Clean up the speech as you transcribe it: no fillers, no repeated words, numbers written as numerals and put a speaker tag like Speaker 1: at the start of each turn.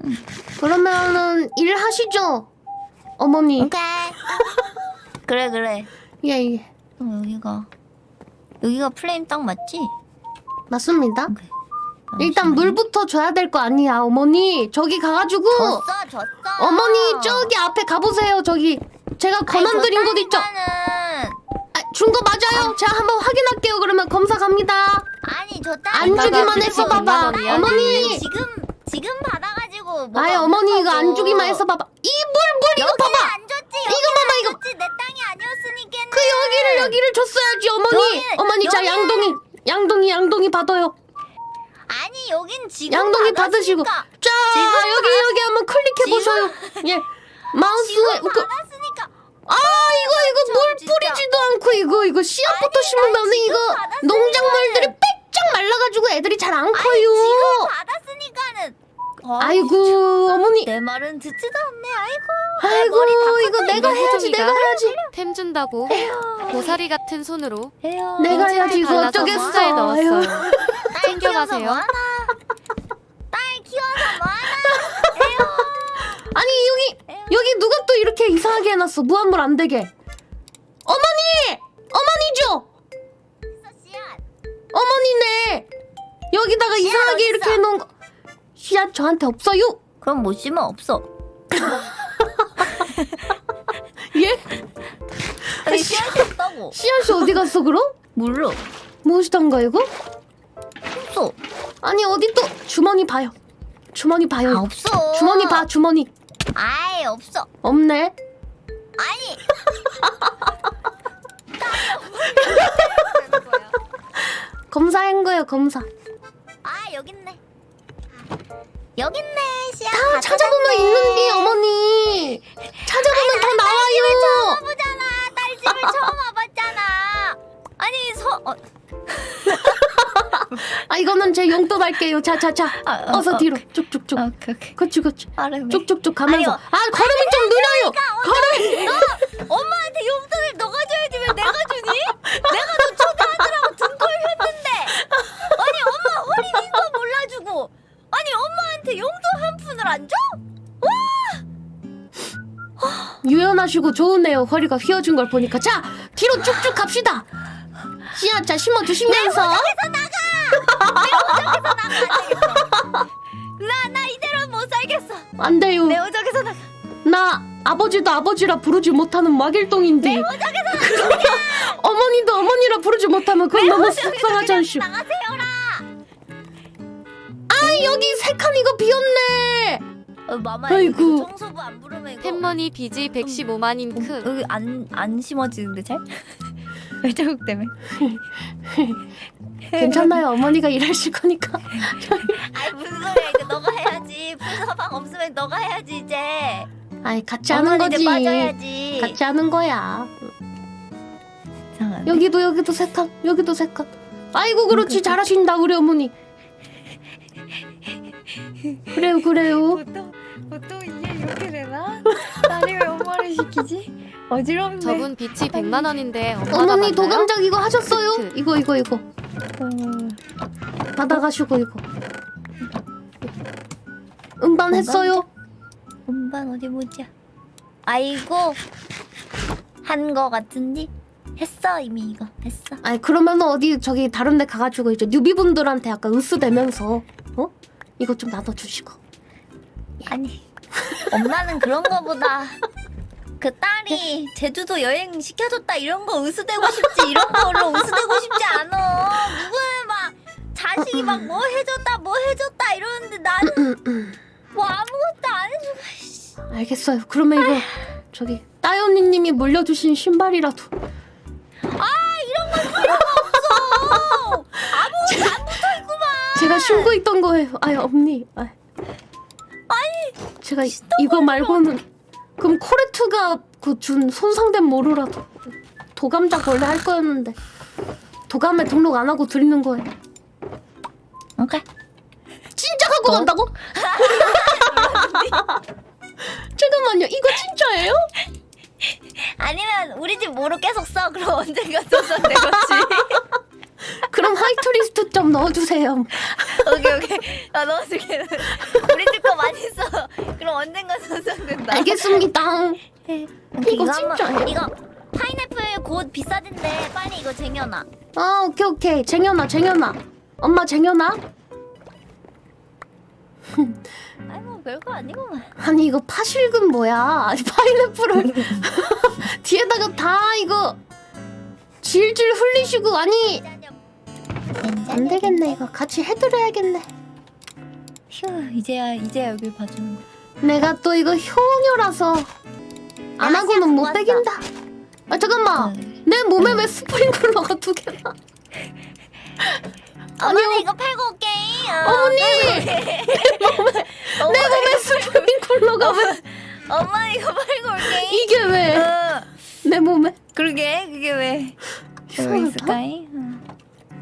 Speaker 1: 그러면은 일하시죠, 어머니.
Speaker 2: 오케이. 그래.
Speaker 1: 예.
Speaker 2: 여기가 플레임 딱 맞지?
Speaker 1: 맞습니다.
Speaker 2: 오케이.
Speaker 1: 일단 물부터 줘야 될 거 아니야, 어머니. 저기 가가지고
Speaker 2: 줬어.
Speaker 1: 어머니 저기 앞에 가보세요. 저기 제가 권한 드린 곳 있죠? 준 거 맞아요? 제가 한번 확인할게요. 그러면 검사 갑니다.
Speaker 2: 아니 줬다.
Speaker 1: 안 주기만 했어 봐봐. 어머니.
Speaker 2: 지금 받아가지고.
Speaker 1: 아이 어머니 이거 안 주기만 했어 봐봐. 이 물 이거 봐봐.
Speaker 2: 안 줬지.
Speaker 1: 이거 봐봐 이거.
Speaker 2: 줬지. 내 땅이 아니었으니까.
Speaker 1: 그 여기를 줬어야지 어머니. 어머니 자 양동이 받아요.
Speaker 2: 아니 여긴 지금
Speaker 1: 양동이 받으시고. 자 여기 한번 클릭해 보셔요. 예. 마우스에
Speaker 2: 받았으니까.
Speaker 1: 이거 물
Speaker 2: 진짜.
Speaker 1: 뿌리지도 않고 이거 씨앗부터 심으면 이거 농작물들이 빽쩍 말라가지고 애들이 잘 안 커요.
Speaker 2: 지금 받았으니까는.
Speaker 1: 아이고 어머니.
Speaker 2: 내 말은 듣지도 않네.
Speaker 1: 아이고 이거 내가 해야지.
Speaker 3: 템 준다고 고사리 같은 손으로
Speaker 1: 내가 해야지 이거
Speaker 3: 발라서
Speaker 1: 어쩌겠어.
Speaker 3: 숫자에 넣었어요.
Speaker 2: 딸
Speaker 3: 챙겨가세요.
Speaker 2: 키워서 뭐하나? 딸 키워서 뭐하나?
Speaker 1: 아니 여기 누가 또 이렇게 이상하게 해놨어. 무한물 안 되게. 어머니죠.
Speaker 2: 씨앗.
Speaker 1: 어머니네. 여기다가 이상하게 이렇게
Speaker 2: 어딨어?
Speaker 1: 해놓은 거. 씨앗 저한테 없어요.
Speaker 2: 그럼 못 심어 없어.
Speaker 1: 예?
Speaker 2: 아니 씨앗이 없다고.
Speaker 1: 씨앗이 어디 갔어 그럼?
Speaker 2: 몰라.
Speaker 1: 무엇이던가 이거?
Speaker 2: 없어.
Speaker 1: 아니 어디 또 주머니 봐요. 주머니 봐요.
Speaker 2: 없어.
Speaker 1: 주머니 봐 주머니.
Speaker 2: 아예 없어.
Speaker 1: 없네.
Speaker 2: 아니.
Speaker 1: 검사한 거예요 검사.
Speaker 2: 여기 있네. 여기 있네 씨앗.
Speaker 1: 다 찾아보면 있는데 어머니. 찾아보면 다 나와요.
Speaker 2: 와보잖아. 딸 집을 처음 와봤잖아. 아니
Speaker 1: 이거는 제 용돈 할게요. 자. 어서 뒤로 쭉쭉쭉.
Speaker 2: 오케이.
Speaker 1: 그치.
Speaker 2: 빠르네.
Speaker 1: 쭉쭉쭉 가면서.
Speaker 2: 아니요.
Speaker 1: 걸음이 좀 느려요. 걸음이.
Speaker 2: 엄마한테 용돈을 너가 줘야지 왜 내가 주니? 내가 너 초대하느라고 등골 폈는데. 아니 엄마 허리 빈 거 몰라주고. 아니 엄마한테 용돈 한 푼을 안 줘?
Speaker 1: 유연하시고 좋으네요. 허리가 휘어진 걸 보니까. 자 뒤로 쭉쭉 갑시다. 씨앗 자 심어주시면서.
Speaker 2: 나 이대로 못 살겠어.
Speaker 1: 안 돼요.
Speaker 2: 내 오적에서 나가.
Speaker 1: 나 아버지도 아버지라 부르지 못하는 막일동인데. 어머니도 어머니라 부르지 못하면 그건 너무 속상하지 않슈.
Speaker 2: 나가세요라.
Speaker 1: 여기 세 칸 이거 비었네.
Speaker 2: 마마
Speaker 1: 아이고.
Speaker 2: 이거 청소부 안 부르면 이거
Speaker 3: 템머니 비지 115만 잉크
Speaker 2: 여기 안 심어지는데 잘? 외자국 때문에.
Speaker 1: 괜찮아요. 어머니가 일하실 거니까.
Speaker 2: 아이 무슨 소리야 이거 너가 해야지. 풀서방 없으면 너가 해야지 이제.
Speaker 1: 같이 하는
Speaker 2: 엄마는 이제
Speaker 1: 거지.
Speaker 2: 빠져야지.
Speaker 1: 같이 하는 거야.
Speaker 2: 이상한데?
Speaker 1: 여기도 세 칸. 여기도 세 칸. 아이고 그렇지 잘하신다 우리 어머니. 그래요.
Speaker 2: 보통 이게 이렇게 되나? 딸이 왜 엄마를 시키지? 어지럽네.
Speaker 3: 저분 비치 100만 원인데 엄마가
Speaker 1: 어머니
Speaker 3: 받나요?
Speaker 1: 도감작 이거 하셨어요?
Speaker 3: 하트.
Speaker 1: 이거 받아가시고 이거 음반 했어요?
Speaker 2: 음반 어디 보자. 아이고 한 거 같은데? 했어 이미 이거 했어.
Speaker 1: 그러면 어디 저기 다른 데 가가지고 이제 뉴비분들한테 약간 으스대면서 이거 좀 나눠주시고.
Speaker 2: 아니 엄마는 그런 거보다 그 딸이 제주도 여행 시켜줬다 이런 거 으스대고 싶지 이런 걸로 으스대고 싶지 않아. 누구는 막 자식이 막 뭐 해줬다 이러는데 나는 뭐 아무것도 안 해주고.
Speaker 1: 알겠어요. 그러면 이거 저기 따연이님이 물려주신 신발이라도.
Speaker 2: 이런 건 필요가 없어. 아무것도 안 붙어있구만.
Speaker 1: 제가 신고 있던 거예요. 언니. 제가 이거 말고는 그럼 코레트가 그 준 손상된 모루라도 도감작 원래 할 거였는데 도감에 등록 안 하고 드리는 거예요.
Speaker 2: 오케이.
Speaker 1: 진짜 갖고 간다고? 잠깐만요. 이거 진짜예요?
Speaker 2: 아니면 우리 집 모로 계속 써. 그럼 언젠가 써서 되겠지.
Speaker 1: 그럼 화이트리스트 좀 넣어주세요.
Speaker 2: 오케이. 넣어줄게. 우리 집 거 많이 써. 언젠가 손상된다.
Speaker 1: 알겠습니다. 이거 진짜 해.
Speaker 2: 이거 파인애플 곧 비싸진대. 빨리 이거 쟁여놔.
Speaker 1: 아 오케이 쟁여놔. 엄마 쟁여놔.
Speaker 2: 아이고 별거 아니구만.
Speaker 1: 아니 이거 파실금 뭐야? 아니 파인애플을 뒤에다가 다 이거 질질 흘리시고 아니 안 되겠네 이거 같이 해드려야겠네.
Speaker 2: 휴 이제야 여길 봐주는 거.
Speaker 1: 내가 또 이거 효녀라서 안 하고는 못
Speaker 2: 좋았어.
Speaker 1: 빼긴다. 아 잠깐만 내 몸에 왜 스프링클러가 2개나?
Speaker 2: 어머니 이거 팔고 올게.
Speaker 1: 어머니 내 몸에 스프링클러가 왜
Speaker 2: 엄마 이거 팔고 올게.
Speaker 1: 이게 왜 내 몸에?
Speaker 2: 그러게 그게 왜
Speaker 1: 이상하다.
Speaker 2: 있을까이?